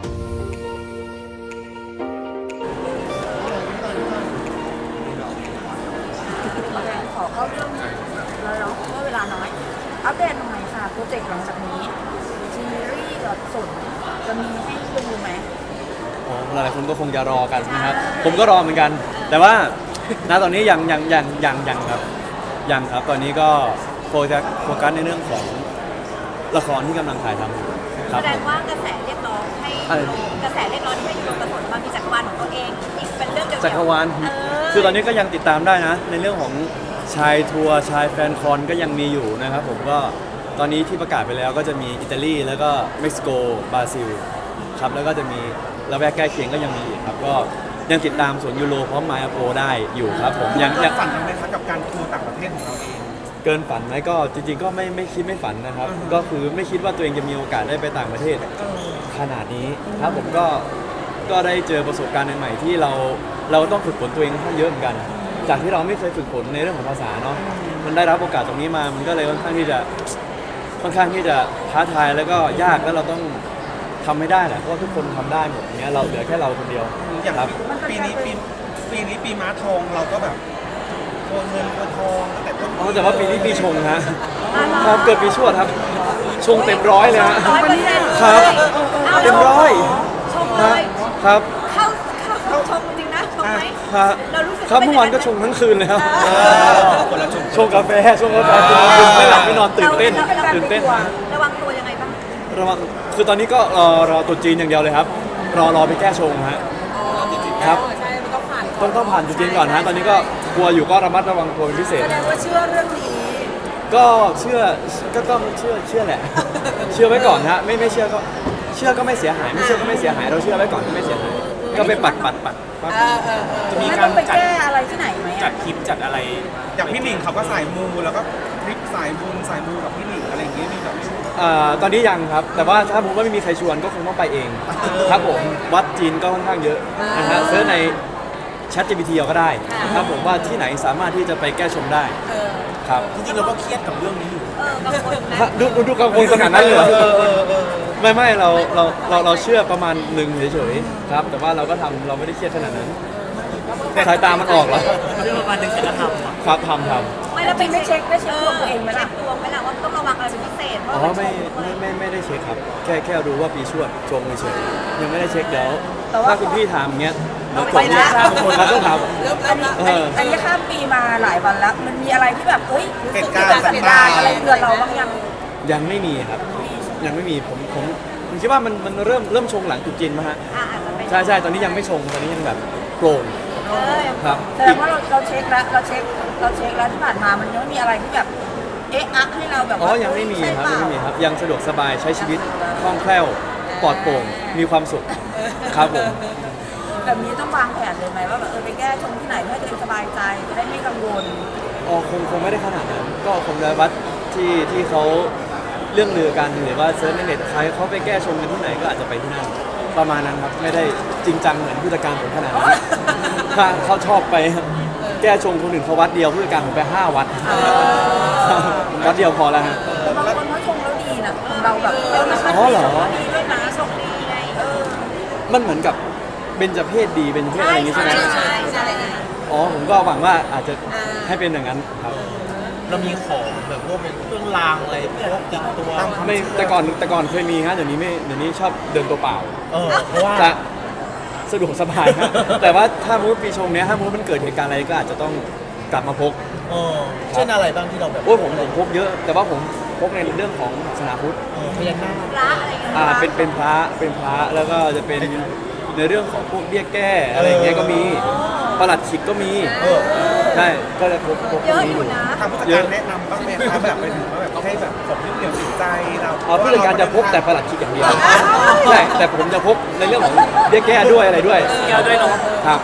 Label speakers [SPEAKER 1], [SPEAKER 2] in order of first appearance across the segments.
[SPEAKER 1] ขอเข้าเรื่องแล้วเนาะเมื่อเวลาน้อยอัปเดตหน่อยค่ะโปรเจกต์หลังจากนี้ซีรีส์กับสนจะมีให้ดูไหม
[SPEAKER 2] โอ้หลายๆคนก็คงจะรอกันนะครับผมก็รอเหมือนกัน แต่ว่าณตอนนี้ยังครับยังครับตอนนี้ก็โฟกัสในเรื่องของละครที่กำลังถ่ายทำอยู่ครั
[SPEAKER 3] แส
[SPEAKER 2] บ
[SPEAKER 3] ดงว่ากระแสเรียกร้องให้กระแสเรียกร้องที่ให้ยูโรกระสนมามีจักรวาลของตัวเองอีกเป็นเรื่องเดียว
[SPEAKER 2] จักรวาลคือตอนนี้ก็ยังติดตามได้นะในเรื่องของชายทัวร์ชายแฟนคอนก็ยังมีอยู่นะครับผมก็ตอนนี้ที่ประกาศไปแล้วก็จะมีอิตาลีแล้วก็เม็กซิโกบราซิลครับแล้วก็จะมีละแวกใกล้เคียงก็ยังมีอีกครับก็ยังติดตามสวนยูโรพร้อมไมอาโปได้อยู่ครับผมยัง
[SPEAKER 4] ฝันไหมครับกับการทัวร์ต่างประเทศของเราเอง
[SPEAKER 2] เกินฝันไหมก็จริงๆก็ไม่คิดไม่ฝันนะครับก็คือไม่คิดว่าตัวเองจะมีโอกาสได้ไปต่างประเทศขนาดนี้ครับผมก็ได้เจอประสบการณ์ใหม่ๆที่เราต้องฝึกฝนตัวเองค่อนข้างเยอะเหมือนกันจากที่เราไม่เคยฝึกฝนในเรื่องของภาษาเนาะมันได้รับโอกาสตรงนี้มามันก็เลยค่อนข้างที่จะท้าทายแล้วก็ยากแล้วเราต้องทำให้ได้แหละเพราะว่าทุกคนทำได้หมดอย่างเงี้ยเราเหลือแค่เราคนเดียว
[SPEAKER 4] อย่าง
[SPEAKER 2] ครับ
[SPEAKER 4] ปีนี้ปีม้าทองเราก็แบบโกนเงินโกนทองตั้งแต่ต้น
[SPEAKER 2] อ๋อแต่ว่าปีนี้ปีชงฮะครับเกิดปีชวดครับชงเต็มร้อยเลยฮะ
[SPEAKER 3] 100%
[SPEAKER 2] ครับเต็มร้อย
[SPEAKER 3] ชมเลย
[SPEAKER 2] ครับ
[SPEAKER 3] เข้าชมจริงนะชมไหม
[SPEAKER 2] ครับ
[SPEAKER 3] เรารู้สึก
[SPEAKER 2] ครับเมื่อวานก็ชงทั้งคืนเลยครับ
[SPEAKER 4] คนละชม
[SPEAKER 2] ชงกาแฟกินไม่หลับไม่นอนตื่นเต้น
[SPEAKER 3] ระวังตัวยังไงบ้าง
[SPEAKER 2] ระวังคือตอนนี้ก็รอตัวจีนอย่างเดียวเลยครับรอไปแก้ชงฮะครับต้องผ่านตัวจีนก่อนฮะตอนนี้ก็กลัวอยู่ก็ระมัดระวังตัวเป็นพิเศษ
[SPEAKER 1] แสดงว่าเชื่อเรื่องนี้
[SPEAKER 2] ก็เชื่อก็ต้องเชื่อแหละ เชื่อไว้ก่อนฮะไม่เชื่อก็เชื่อก็ไม่เสียหายไม่เชื่อก็ไม่เสียหายเราเชื่อไว้ก่อนก็ไม่เสียหายก็ไปปัด
[SPEAKER 4] จะมี
[SPEAKER 1] ไม่
[SPEAKER 4] กา
[SPEAKER 1] ต้อ
[SPEAKER 4] รง
[SPEAKER 1] ไปแก้อะไรที่ไหนไหม
[SPEAKER 4] จั
[SPEAKER 1] อ่ะ
[SPEAKER 4] ดคลิปจัดอะไร อย่างพี่หนิงเขาก็สายมูแล้วก็คลิปสายบุญสายมูกับพี่หนิงอะไรอย่างเงี้ยมีแบบ
[SPEAKER 2] ตอนนี้ยังครับแต่ว่าถ้าผมว่าไม่มีใครชวนก็คงต้องไปเองครับผมวัดจีนก็ค่อนข้างเยอะนะฮะเซิร์ชใน ChatGPT เอาก็ได้ครับผมว่าที่ไหนสามารถที่จะไปแก้ชงได้ครับ
[SPEAKER 4] จริงๆเราก็เครียดกับเรื่องนี้อยู่
[SPEAKER 3] กังวลนะ
[SPEAKER 2] ดูกังวลขนาดนั้นเลยเหรอไม่เราเชื่อประมาณหนึ่งเฉยๆครับแต่ว่าเราก็ทำเราไม่ได้เครียดขนาดนั้นสายตามันออกแล้ว
[SPEAKER 4] เรื่องประมาณนึงแต่ก็ทำ
[SPEAKER 2] ครับทำ
[SPEAKER 3] ไม่แล้ว
[SPEAKER 1] ไม่เช็คดวงตัวเองไหมล่ะ
[SPEAKER 3] เช็คดวงไหมล่ะว่าต้องระวังอะไรเป็นพิเศษเพราะ
[SPEAKER 2] อ๋อ
[SPEAKER 3] ว่า
[SPEAKER 2] ไม่ได้เช็คครับแค่รู้ว่าปีชวดชงเฉยๆยังไม่ได้เช็คเดี๋ยว
[SPEAKER 1] แต่ว่า
[SPEAKER 2] ถ้าคุณพี่ถามอย่างเงี้ยเดี๋ยว
[SPEAKER 1] ไปนะ
[SPEAKER 2] เราต้องถาม
[SPEAKER 1] อันนี้ข้ามปีมาหลายวันแล้ว มันมีอะไรที่แบบเฮ้ย
[SPEAKER 4] เหตุการณ์
[SPEAKER 1] เสียดายอะไรเดือนเราบ้างยัง
[SPEAKER 2] ยังไม่มีครับยังไม่มีผมคิดว่ามันเริ่มชงหลังจุดจีนมาฮะ
[SPEAKER 3] อาจจะเป็น
[SPEAKER 2] ใช่ตอนนี้ยังไม่ชงตอนนี้ยังแบบโปร่งครับ
[SPEAKER 1] แสดงว่าเราเช็คแล้วเราเช็คแล้วที่ผ่านมามันยังไม่มีอะไรที่แบบเอ๊ะอักให้เราแบบ
[SPEAKER 2] อ๋อ
[SPEAKER 1] ว่า
[SPEAKER 2] ยังไม่มี
[SPEAKER 1] ใช่
[SPEAKER 2] ครับ
[SPEAKER 1] เป
[SPEAKER 2] ยัง
[SPEAKER 1] ล่า
[SPEAKER 2] ไม่มีครับยังสะดวกสบายใช้ชีวิตคล่องแคล่วปลอดโปร่งมีความสุขครับผม
[SPEAKER 1] แบบนี้ต้องวางแผนเลยไหมว่าแบบไปแก้ชงที่ไหนเพื่อให้ตัวเองสบายใจจะได้ไม่กังวล
[SPEAKER 2] อ๋อคงไม่ได้ขนาดนั้นก็คงจะวัดที่เขาเรื่องลือกันหรือว่าเซิร์ชในเน็ตใครเขาไปแก้ชงกันที่ไหนก็อาจจะไปที่นั่นประมาณนั้นครับไม่ได้จริงจังเหมือนผู้จัดการผมขนาดนั้นถ้าเขาชอบไปแก้ชงคนอื่นเขาวัดเดียวผู้จัดการผมไป5 วัดวัดเดียวพอแล้วฮะ
[SPEAKER 1] แต่บางคนเขาชงแล้วดีนะของเราแบบมัน
[SPEAKER 2] อ๋อเหรอ
[SPEAKER 1] ดีด้วยนะชงดีไง
[SPEAKER 2] มันเหมือนกับเบญจเพศดีเบญจเพศอะไรอย่างงี้ใช่ไหม
[SPEAKER 3] ใช่
[SPEAKER 2] อ๋อผมก็หวังว่าอาจจะให้เป็นอย่างนั้นครับ
[SPEAKER 4] เรามีของแบบพวกเป็นเครื่องรางอะไรพวกติดตัว
[SPEAKER 2] ไม่แต่ก่อนเคยมีฮะเดี๋ยวนี้ชอบเดินตัวเปล่า
[SPEAKER 4] เพราะว่า
[SPEAKER 2] จะสะดวกสบายฮะ แต่ว่าถ้ามุดปีชงเนี้ยถ้ามุดมันเกิดเหตุการณ์อะไรก็อาจจะต้องกลับมาพก
[SPEAKER 4] เช่นอะไรบ้างที่เราแบบ
[SPEAKER 2] โอ้ยผมพกเยอะ แต่ว่าผมพกในเรื่องของศาสนาพุทธ
[SPEAKER 4] พญานาค
[SPEAKER 3] พระอะไรอย่างเงี้ย
[SPEAKER 2] เป็นพระแล้วก็จะเป็นในเรื่องของพวกเบี้ยแก้อะไรอย่างเงี้ยก็มีประหลัดขิกก็มีใช่ก็จะพกพวก
[SPEAKER 3] เยอะ
[SPEAKER 2] นี้
[SPEAKER 3] อ
[SPEAKER 2] อยู่ ยู่
[SPEAKER 3] นะ
[SPEAKER 4] ทางผู้จัดการแนะนำบ้างไหมครับแบบไปถึงว่าแบบให้แบบของที่เหนียวจิตใจเรา
[SPEAKER 2] อ๋อผู้จัดการจะพกแต่ประหลัดขิกอย่างเดียวใช่แต่ผมจะพกในเรื่องของเบี้ยแก้ด้วยอะไรด้วยแก้ด้วยเนาะครับ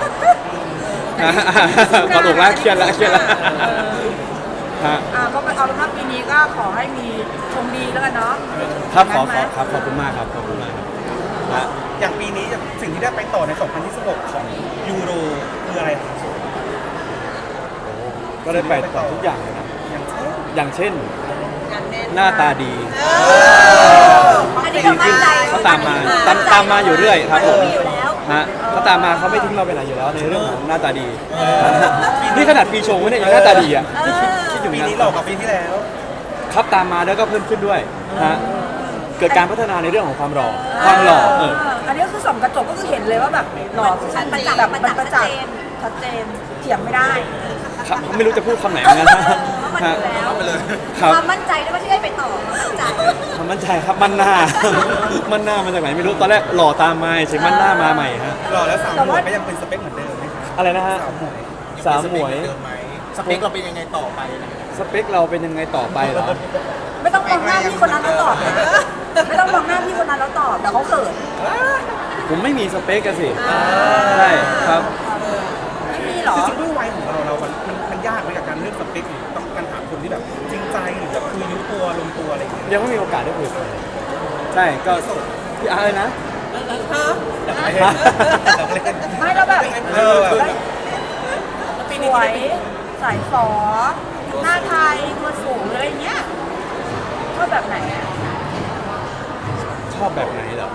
[SPEAKER 2] พอถูกแล้วเครียดแล้วฮะ
[SPEAKER 1] ก็เอาเป็นว่าปีนี้ก็ขอให้มีชงดีแล้วกันเนาะ
[SPEAKER 2] ครับข
[SPEAKER 1] งั้
[SPEAKER 2] อน
[SPEAKER 1] ไหม
[SPEAKER 2] ครับขอบคุณมากครับขอบคุณมากครับนะ
[SPEAKER 4] อย่างปีนี้สิ่งที่ได้ไปต่อใน 2026 ของยูโรคืออะไรครับ
[SPEAKER 2] ก็ได้ไปต่อทุกอย่างเลยนะ
[SPEAKER 4] อย่างเช่น
[SPEAKER 2] อย่างเช่น
[SPEAKER 1] งานแน่น
[SPEAKER 2] หน้าตาดี
[SPEAKER 3] อันนี้ก็มั่นใจ
[SPEAKER 2] เขาตามมาตามมาอยู่เรื่อยครับผม
[SPEAKER 3] มีอยู่แล้ว
[SPEAKER 2] ฮะเขาตามมาเขาไม่ทิ้งเราไปไหนอยู่แล้วในเรื่องของหน้าตาดีนี่ขนาดปีชงไม่ได้ยังหน้าตาดีอ่ะคิดถึง
[SPEAKER 4] ปี
[SPEAKER 2] นะ
[SPEAKER 4] นี้หลอกกับปีที่แล้ว
[SPEAKER 2] ครับตามมาแล้วก็เพิ่มขึ้นด้วยฮะเกิดการพัฒนาในเรื่องของความหล่อ
[SPEAKER 1] อันนี้ก็คือส่องกระจกก็คือเห็นเลยว่าแบบหล่อคือชัดเจนแบบมันประจักษ์ชัดเจนเถียงไม่ได้
[SPEAKER 2] ครับไม่รู้จะพูดคำไหนเหมือนกันนะ
[SPEAKER 3] เพราะมัน
[SPEAKER 2] ฮะ
[SPEAKER 3] อยู่แล้ว
[SPEAKER 2] ครับ
[SPEAKER 3] ความมั่นใจด้วยว่าที่ได้ไปต่อมั่นใจ
[SPEAKER 2] ความมั่นใจครับมั่นหน้า มั่นหน้ามาจากไหนไม่รู้ตอนแรกหล่อตามมาเฉยมั่นหน้ามาใหม่ฮะ
[SPEAKER 4] หล่อแล้วสาวหมวยก็ยังเป็นสเปคเหมือนเดิมไหมคะ
[SPEAKER 2] อะไรนะฮะ
[SPEAKER 4] สาวหมวย
[SPEAKER 2] สาวหมวย
[SPEAKER 5] สเปคเราเป็นยังไงต่อไปนะ
[SPEAKER 2] สเปคเราเป็นยังไงต่อไปเหรอ
[SPEAKER 1] ไม่ต้องมองหน้าพี่คนนั้นแล้วตอบนะไม่ต้องมองหน้าพี่คนนั้นแล้วตอบแต่เขาเขิน
[SPEAKER 2] ผมไม่มีสเปคกันสิใช่ครับ
[SPEAKER 1] ไม่มีหรอ
[SPEAKER 4] จริงๆด้วยวัยของเรามันยากไหมกับการเลือกสเปคหรือต้องการหาคนที่แบบจริงใจหรือแบบคุยรู้ตัวลงตัวอะไรอย่างเงี้ย
[SPEAKER 2] ยังไม่มีโอกาสได้คุยกับใครใช่ก็พี่อาร์เลยนะ
[SPEAKER 1] ไม่แล้วแบบ
[SPEAKER 4] เออแบบ
[SPEAKER 1] สวยสายฝอหน้าไทยตัวสูงอะไรอย่างเงี้ยชอบแบบไหนอะ
[SPEAKER 2] ชอบแบบไหนเหรอ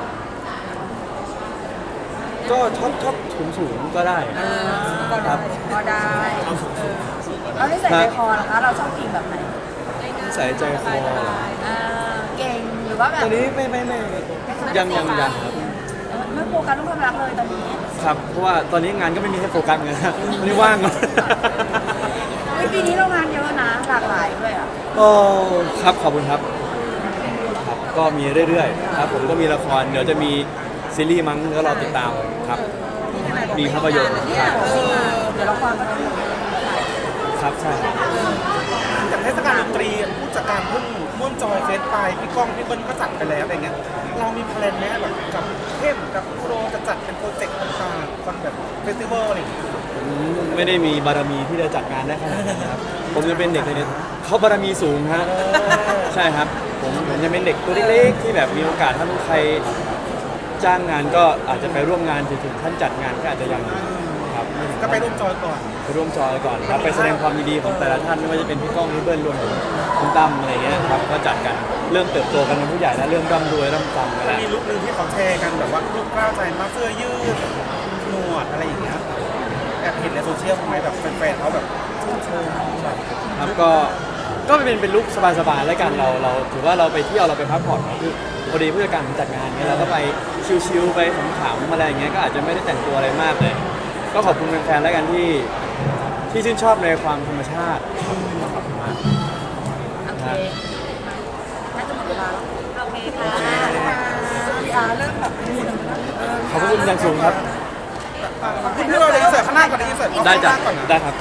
[SPEAKER 2] ก็ชอบสูงก็ได้ครับ
[SPEAKER 1] ก็ได้แล้วนิสัยใจคอล่ะคะเราชอบกินแบบไหน
[SPEAKER 2] ใส่ใจคอเหรอ
[SPEAKER 1] เก่งหรือว่าแบบ
[SPEAKER 2] ตอนนี้ไม่ยังครับ
[SPEAKER 1] ไม่โฟกัสเรื่องความรักเลยตอนนี้
[SPEAKER 2] ครับเพราะว่าตอนนี้งานก็ไม่มีให้โฟกัสเงินนะตอนนี้ว่าง
[SPEAKER 1] ปีนี้เรางานเยอะนะหลากหลายด้วยอ่ะ
[SPEAKER 2] โอ้ครับขอบคุณครับครับ ก็มีเรื่อยๆครับผมก็มีละครเดี๋ยวจะมีซีรีส์มั้งก็รอติดตามครับมีภาพยนตร์ครับ
[SPEAKER 1] เดี๋ยวเราความกัน
[SPEAKER 2] ครับใช่ครับ
[SPEAKER 4] จากเทศกาลดนตรีผู้จัดการเพิ่งม่วนจอยเฟสไปพี่ก้องพี่เบิ้ลก็จัดไปแล้วอะไรเงี้ยเรามีแพลนไหมแบบกับเข้มกับครูโรจะจัดเป็นโปรเจกต์ต่างๆคอนแบบเฟสติวัลอะไรอย่างเงี้ย
[SPEAKER 2] ผมไม่ได้มีบารมีที่จะจัดงานได้ขนาดนั้นครับผมจะเป็นเด็กในนี้เขาบารมีสูงฮะใช่ครับผมจะเป็นเด็กตัวเล็กๆที่แบบมีโอกาสถ้าใครจ้างงานก็อาจจะไปร่วมงานถึงขั้นจัดงานก็อาจจะยังครับ
[SPEAKER 4] ก็ไปร่วมจอยก่อน
[SPEAKER 2] ไปร่วมจอยก่อนครับไปแสดงความยินดีของแต่ละท่านไม่ว่าจะเป็นพี่ก้องพี่เบิ้ลรวมถึงคุณตั้มอะไรเงี้ยครับก็จัดกันเริ่มเติบโตกันเป็นผู้ใหญ่แล้วเริ่มร่ำรวยเริ่มฟังกัน
[SPEAKER 4] มัน
[SPEAKER 2] แล้ว
[SPEAKER 4] มีลุคนึงที่เขาแชร์กันแบบว่าลุคกล้าวใจมากเสื้อยืดหนวดอะไรอย่างเงี้ยแอบเห็นในโซเชียลทำไมแบบแฟนๆเขาแบบเชิญแบบ
[SPEAKER 2] ครับก็เป็นลุคสบายๆแล้วกันเราถือว่าเราไปเที่ยวเราไปพักผ่อนคือพอดีผู้จัดการผมจัดงานเงี้ยเราก็ไปชิลๆไปขำๆอะไรอย่างเงี้ยก็อาจจะไม่ได้แต่งตัวอะไรมากเลย ก็ขอบคุณแฟนๆแล้วกันที่ชื่นชอบในความธรรมชาติขอบคุณมาก
[SPEAKER 1] โอเคน่าจะหมดเวลาแล้ว
[SPEAKER 3] โอเคค่ะ
[SPEAKER 1] พี่อาร์เริ่มแบบดูหนึ่ง
[SPEAKER 2] ขอบคุณอย่างสูงครับ
[SPEAKER 4] พี่เราเลยอินเสิร์ตข้างหน้าก่อนเลยอินเสิร์ต
[SPEAKER 2] ได้จ้ะ
[SPEAKER 4] ข้างหน้าก่อนนะ
[SPEAKER 2] ได้ครับ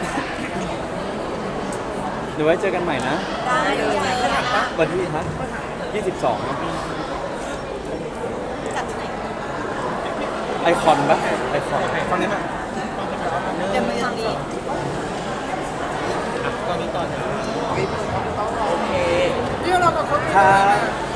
[SPEAKER 2] เดี๋ยวไว้เจอกันใหม่นะ
[SPEAKER 3] ได้เลย
[SPEAKER 2] วันที่ฮะ22ครับ
[SPEAKER 3] จัดที่ไหน
[SPEAKER 2] ไอคอนปะไอคอน
[SPEAKER 4] ตอนนี้มา
[SPEAKER 3] เต็มเมืองดี
[SPEAKER 5] ตอนนี้ตอนนี้
[SPEAKER 2] ครับ